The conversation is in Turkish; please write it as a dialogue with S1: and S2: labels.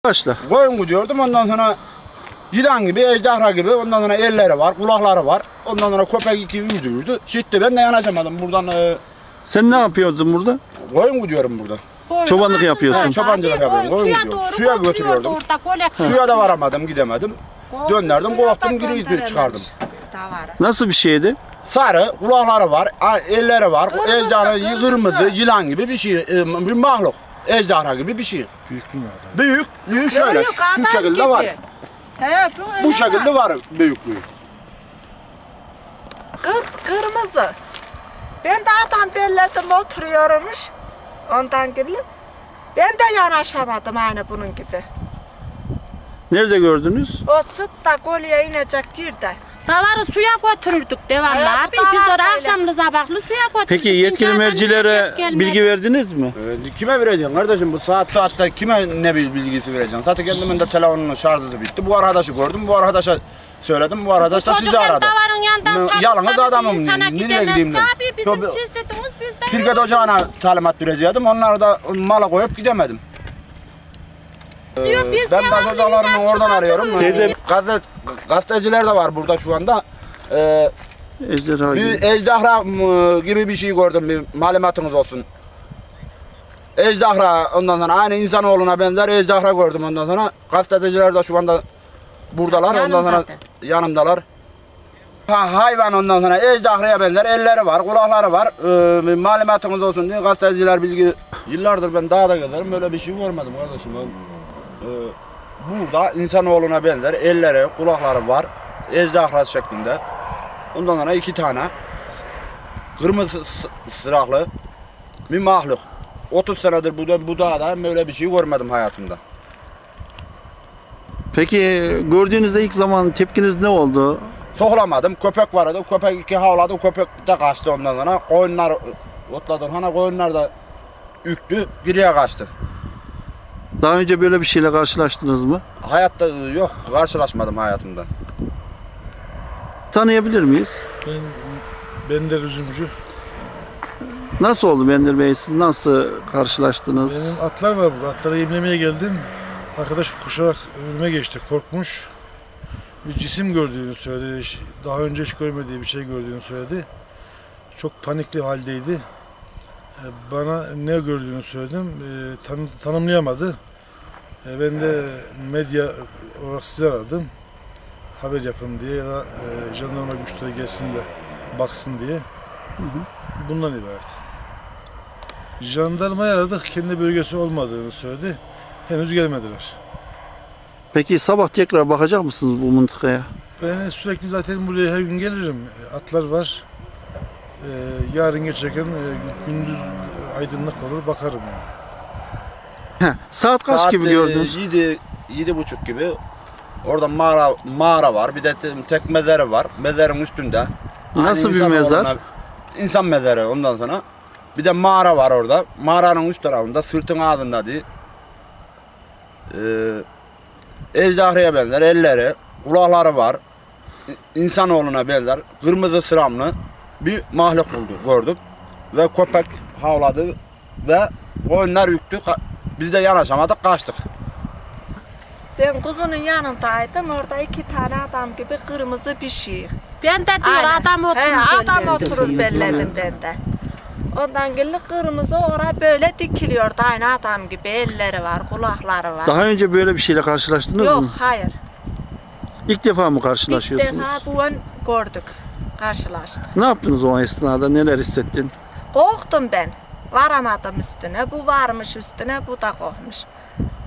S1: Başla.
S2: Koyun gidiyordum, ondan sonra yılan gibi, ejderha gibi, ondan sonra elleri var, kulakları var. Ondan sonra köpek iki yürüdü. Şitti, ben de yanaşamadım buradan.
S1: Sen ne yapıyordun burada?
S2: Koyun gidiyorum burada.
S1: Çobanlık yapıyorsun.
S2: Çobancılık yapıyorum, koyun gidiyorum. Suya götürüyordum. Suya da varamadım, gidemedim. Döndürdüm, kovaktum, geri çıkardım.
S1: Nasıl bir şeydi?
S2: Sarı, kulakları var, elleri var, ejderha, kırmızı, yılan gibi bir şey, bir mahluk. Ejderha gibi bir şey.
S3: Büyük mü adam?
S2: Büyük şöyle, şu şekilde var. Bu şekilde var büyüklüğü.
S4: Kırmızı. Ben de adam belledim oturuyormuş. Ondan gelip ben de yanaşamadım aynı bunun gibi.
S1: Nerede gördünüz?
S4: O sıt da kolye inecek yerde.
S5: Davarı suya götürürdük devamlı abi. Biz oraya akşamlı sabahlı suya götürürdük.
S1: Peki yetkili mercilere bilgi verdiniz mi?
S2: Kime vereceksin kardeşim, bu saatte kime ne bilgisi vereceksin? Zaten kendimin de telefonunun şarjı bitti. Bu arkadaşı gördüm, bu arkadaşa söyledim, bu arkadaş da sizi aradı. Yalnız adamım, nereye gideyim ben?
S5: Abi bizim siz dediniz biz de.
S2: Pirket ocağına talimat verecektim, onları da mala koyup gidemedim. Ben başhocalarını oradan arıyorum.
S1: Teyze-
S2: Gazeteciler de var burada şu anda.
S1: Ejderha
S2: Bir
S1: gibi.
S2: ejderha gibi bir şey gördüm, bir malumatınız olsun. Ejderha, ondan sonra aynı insanoğluna benzer ejderha gördüm, ondan sonra gazeteciler de şu anda buradalar, ondan sonra yanımdalar. Hayvan, ondan sonra ejderhaya benzer elleri var, kulakları var. Bir malumatınız olsun diye gazeteciler bilgi. Yıllardır ben dağda gezerim, böyle bir şey görmedim kardeşim. Burada insanoğluna benzer elleri, kulakları var, ejderha şeklinde. Ondan sonra iki tane kırmızı sıraklı bir mahluk. 30 senedir bu dağda böyle bir şey görmedim hayatımda.
S1: Peki gördüğünüzde ilk zaman tepkiniz ne oldu?
S2: Soğlamadım, köpek vardı, köpek iki havladı, köpek de kaçtı ondan sonra. Koyunlar otladı, hani koyunlar da üktü, geriye kaçtı.
S1: Daha önce böyle bir şeyle karşılaştınız mı?
S2: Hayatta yok, karşılaşmadım hayatımda.
S1: Tanıyabilir miyiz?
S3: Ben de üzümcü.
S1: Nasıl oldu Bendir Bey? Siz nasıl karşılaştınız?
S3: Benim atlar var burada. Atları yemlemeye geldim. Arkadaş koşarak önüme geçti. Korkmuş. Bir cisim gördüğünü söyledi. Daha önce hiç görmediği bir şey gördüğünü söyledi. Çok panikli haldeydi. Bana ne gördüğünü söyledim. Tanımlayamadı. Ben de medya olarak sizi aradım. Haber yapın diye ya da jandarma güçleri gelsin de baksın diye. Bundan ibaret. Jandarmayı aradık. Kendi bölgesi olmadığını söyledi. Henüz gelmediler.
S1: Peki sabah tekrar bakacak mısınız bu mıntıkaya?
S3: Ben sürekli zaten buraya her gün gelirim. Atlar var. Yarın geçerken gündüz aydınlık olur bakarım yani.
S1: Saat kaç gibi gördünüz?
S2: 7:30 gibi. Orada mağara var, bir de tek mezarı var. Mezarın üstünde.
S1: Nasıl bir
S2: İnsan
S1: mezar?
S2: oğluna, insan mezarı ondan sonra. Bir de mağara var orada. Mağaranın üst tarafında, sırtın ağzında diye. Ejderhaya benzer elleri, kulakları var. İnsanoğluna benzer kırmızı sıramlı bir mahluk gördüm. Ve köpek havladı ve koyunlar yüktü. Biz de yanaşamadık, kaçtık.
S4: Ben kızının yanındaydım. Orada iki tane adam gibi kırmızı bir şey.
S5: Ben de diyor adam oturur.
S4: Adam oturur belledim ben de. Ondan gelip kırmızı oraya böyle dikiliyordu. Aynı adam gibi elleri var, kulakları var.
S1: Daha önce böyle bir şeyle karşılaştınız
S4: Yok,
S1: mı?
S4: hayır.
S1: İlk defa mı
S4: İlk
S1: karşılaşıyorsunuz?
S4: defa bu an gördük, karşılaştık.
S1: Ne yaptınız o esnada? Neler hissettin?
S4: Korktum ben. Varamadım üstüne. Bu varmış üstüne, bu da korkmuş.